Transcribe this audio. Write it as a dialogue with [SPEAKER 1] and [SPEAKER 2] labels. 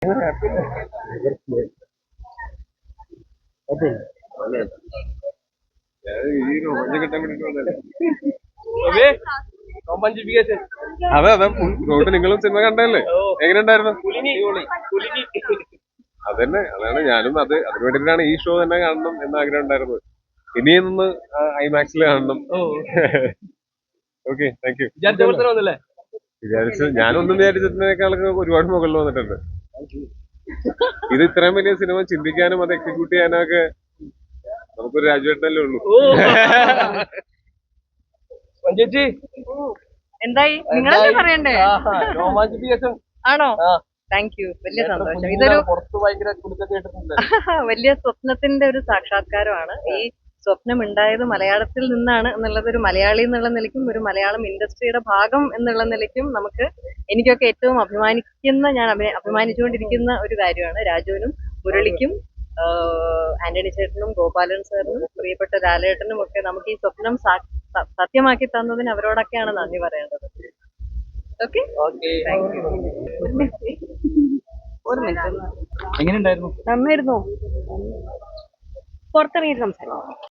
[SPEAKER 1] അതെ അതെ റോഡ് നിങ്ങളും സിനിമ കണ്ടല്ലേ, എങ്ങനെ ഉണ്ടായിരുന്നു? അതന്നെ, അതാണ് ഞാനും അതിനു വേണ്ടിയിട്ടാണ് ഈ ഷോ തന്നെ കാണണം എന്ന് ആഗ്രഹം ഉണ്ടായിരുന്നത്. ഇനിയൊന്ന് ഐമാക്സിൽ കാണണം. Okay, thank you. ഞാനൊന്നും വിചാരിച്ചതിനേക്കാളൊക്കെ ഒരുപാട് മുകളിൽ വന്നിട്ടുണ്ട്. ഇത് ഇത്രയും വലിയ സിനിമ ചിന്തിക്കാനും അത് എക്സിക്യൂട്ട് ചെയ്യാനും ഒക്കെ നമുക്കൊരു രാജുവേട്ടനല്ലേ ഉള്ളൂ.
[SPEAKER 2] ചേച്ചി എന്തായി നിങ്ങളല്ലേ പറയണ്ടേ? ആണോ? താങ്ക് യു, വലിയ സന്തോഷം. ഇതൊരു വലിയ സ്വപ്നത്തിന്റെ ഒരു സാക്ഷാത്കാരമാണ്. ഈ സ്വപ്നം ഉണ്ടായത് മലയാളത്തിൽ നിന്നാണ് എന്നുള്ളത് ഒരു മലയാളി എന്നുള്ള നിലയ്ക്കും ഒരു മലയാളം ഇൻഡസ്ട്രിയുടെ ഭാഗം എന്നുള്ള നിലയ്ക്കും എനിക്കൊക്കെ ഏറ്റവും ഞാൻ അഭിമാനിച്ചുകൊണ്ടിരിക്കുന്ന ഒരു കാര്യമാണ്. രാജുവിനും മുരളിക്കും ആന്റണി ചേട്ടനും ഗോപാലൻ സാറിനും പ്രിയപ്പെട്ട ലാലേട്ടനും ഒക്കെ നമുക്ക് ഈ സ്വപ്നം സത്യമാക്കി തന്നതിന് അവരോടൊക്കെയാണ് നന്ദി പറയേണ്ടത്. Okay, thank you. ഒരു മിനിറ്റ്,
[SPEAKER 3] എങ്ങനെയുണ്ടായിരുന്നു?
[SPEAKER 2] നന്നായിരുന്നു. പുറത്തിറങ്ങിയിട്ട് സംസാരിക്കാം.